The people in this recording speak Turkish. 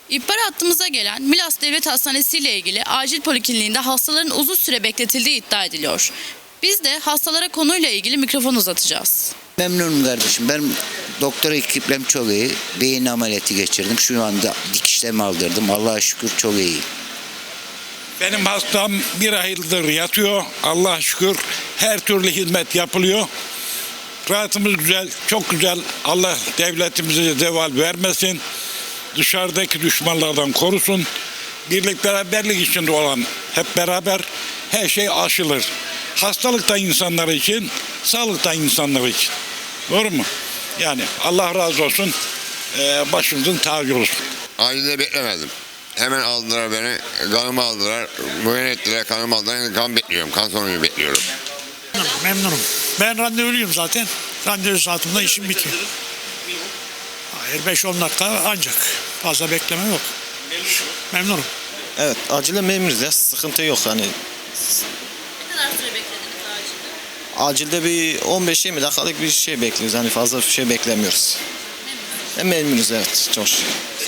İhbar hattımıza gelen Milas Devlet Hastanesi ile ilgili acil polikliniğinde hastaların uzun süre bekletildiği iddia ediliyor. Biz de hastalara konuyla ilgili mikrofon uzatacağız. Memnunum kardeşim. Ben doktor ekiplem çok iyi. Beyin ameliyatı geçirdim. Şu anda dikişlemi aldırdım. Allah'a şükür çok iyi. Benim hastam bir aydır yatıyor. Allah'a şükür her türlü hizmet yapılıyor. Rahatımız güzel, çok güzel. Allah devletimize zeval vermesin. Dışarıdaki düşmanlardan korusun. Birlik beraberlik içinde olan hep beraber her şey aşılır. Hastalıkta insanlar için, sağlıkta insanlar için. Doğru mu? Yani Allah razı olsun. Başımızın tacı olsun. Acilde beklemedim. Hemen aldılar beni, kanımı aldılar, muayene ettiler, kanımı aldılar. Kan bekliyorum, kan sonucu bekliyorum. Memnunum. Ben randevuluyum zaten. Randevu saatimde işim bitiyor. Hayır 5-10 dakika ancak. Fazla bekleme yok. Memnunum. Evet, acile memuruz ya, sıkıntı yok hani. Ne kadar süre beklediniz acilde? Acilde bir 15-20 dakikalık bir şey bekliyoruz, hani fazla bir şey beklemiyoruz. Memnunuz evet, çok şükür.